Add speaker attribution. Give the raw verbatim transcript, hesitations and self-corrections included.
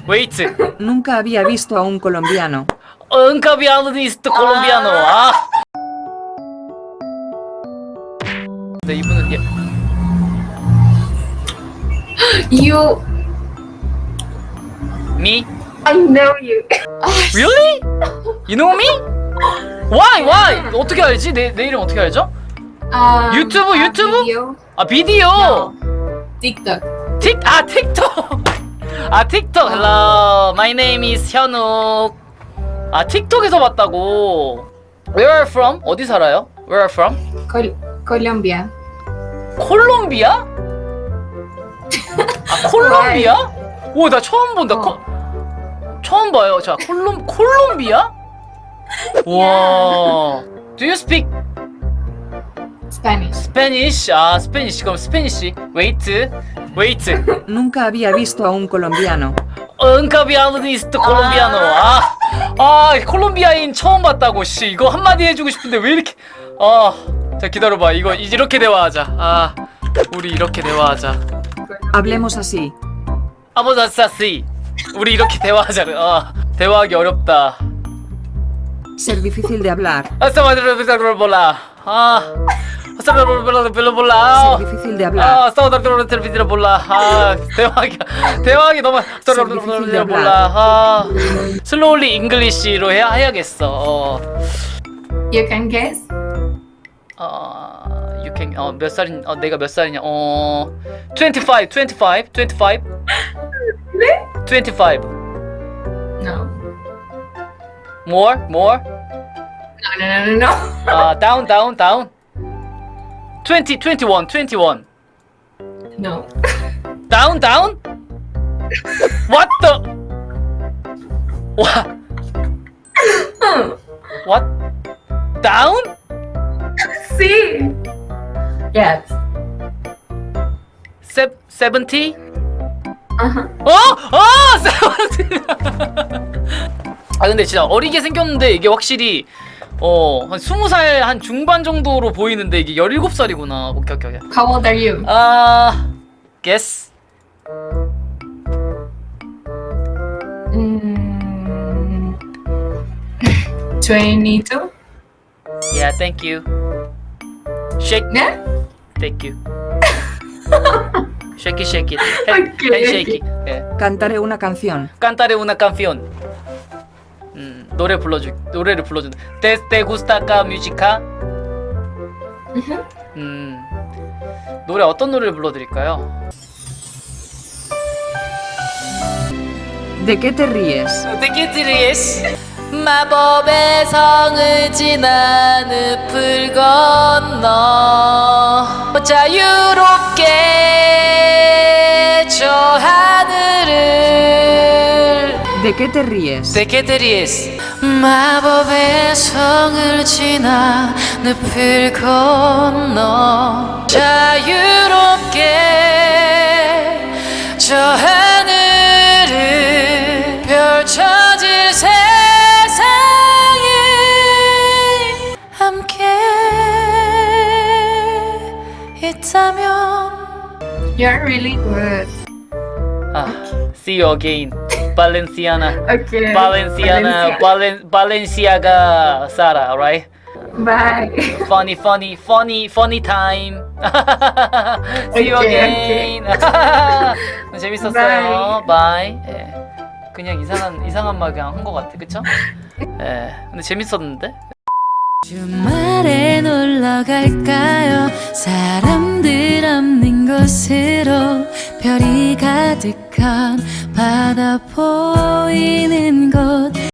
Speaker 1: Wait.
Speaker 2: Nunca había visto a un colombiano.
Speaker 1: Nunca había visto colombiano. 아. 네, 이분은 예.
Speaker 3: You,
Speaker 1: Me?
Speaker 3: I know you.
Speaker 1: Really? You know me? Why? Why? 어떻게 알지? 내, 내 이름 어떻게 알죠?
Speaker 3: Um,
Speaker 1: 유튜브,
Speaker 3: uh,
Speaker 1: 유튜브?
Speaker 3: Video.
Speaker 1: 아 비디오.
Speaker 3: No. TikTok.
Speaker 1: 틱, 아 틱톡. 아 틱톡. Hello, my name is 현욱. 아 틱톡에서 봤다고. Where are you from? 어디 살아요? Where are you from?
Speaker 3: Col Colombia.
Speaker 1: 콜롬비아? 아 콜롬비아? 오 나 처음 본다.
Speaker 3: 어.
Speaker 1: 코, 처음 봐요. 자 콜롬 콜롬비아? 와. Do you speak
Speaker 3: Spanish.
Speaker 1: Spanish? 아 스페니쉬. 그럼 스페니쉬. Wait, wait.
Speaker 2: Nunca había visto a un colombiano.
Speaker 1: 은카비아니스트 콜롬비아노. 아, 아 콜롬비아인 처음 봤다고. 씨 이거 한마디 해주고 싶은데 왜 이렇게. 아, 자 기다려봐. 이거 이렇게 대화하자. 아, 우리 이렇게 대화하자.
Speaker 2: Hablemos así.
Speaker 1: 아모자사시. 우리 이렇게 대화하자. 아, 대화하기 어렵다.
Speaker 2: Ser difícil de hablar.
Speaker 1: 아싸마드르비사르 몰라. 아, 아싸마드르비사르 몰라.
Speaker 2: Ser difícil de hablar.
Speaker 1: 아, 싸우다르비사르 몰라. 아, 대화하기 대화하기 너무 싸우다르비사르 몰라. 아, 슬로울리 잉글리시로 해야 해야겠어. 어,
Speaker 3: You can guess.
Speaker 1: 어, you can 어몇 살인? 어 내가 몇 살이냐? 어, twenty-five, twenty-five, twenty-five, twenty-five.
Speaker 3: No.
Speaker 1: More, more.
Speaker 3: No, no, no, no, no.
Speaker 1: 아, down, down, down. twenty, twenty-one, twenty-one.
Speaker 3: No.
Speaker 1: Down, down? What the? What? What? Down?
Speaker 3: See. Yes.
Speaker 1: Se seventy?
Speaker 3: Uh-huh.
Speaker 1: 어? 어! seventy! 아 근데 진짜 어리게 생겼는데 이게 확실히 어, 한 스무 살 한 중반 정도로 보이는데 이게 열일곱 살이구나. 오케이, 오케이, 오케이.
Speaker 3: How old are you?
Speaker 1: 아, guess.
Speaker 3: Mm, twenty-two.
Speaker 1: Yeah, thank you. Shake.
Speaker 3: Yeah.
Speaker 1: Thank you. Shake it, shake it.
Speaker 3: Okay,
Speaker 1: hand shake it. 예.
Speaker 2: Cantaré una canción.
Speaker 1: Cantaré una canción. 음, 노래 불러주 노래를 불러준다. Te te gusta la música? 음, 노래 어떤 노래를 불러드릴까요?
Speaker 2: ¿De qué te ríes?
Speaker 1: De qué te ríes? 마법의 성을 지나 늪을 건너 자유롭게 저 하늘을.
Speaker 2: ¿De qué te ríes?
Speaker 1: De qué te ríes? 마법의 성을 지나 늪을 건너 자유롭게 저 하늘을 펼쳐질 세상에 함께 있다면.
Speaker 3: You're really good.
Speaker 1: 아, see you again. Valenciana.
Speaker 3: Okay.
Speaker 1: Valenciana, Valen, Balenciaga, Sara, alright?
Speaker 3: Bye.
Speaker 1: Funny, funny, funny, funny time. See you
Speaker 3: Okay,
Speaker 1: again. 재밌었어요. Bye. 예. 그냥 이상한 이상한 말 그냥 한 것 같아, 그쵸? 예. 근데 재밌었는데. 주말에 놀러 갈까요? 사람들 없는 곳으로 별이 가득한 바다 보이는 곳.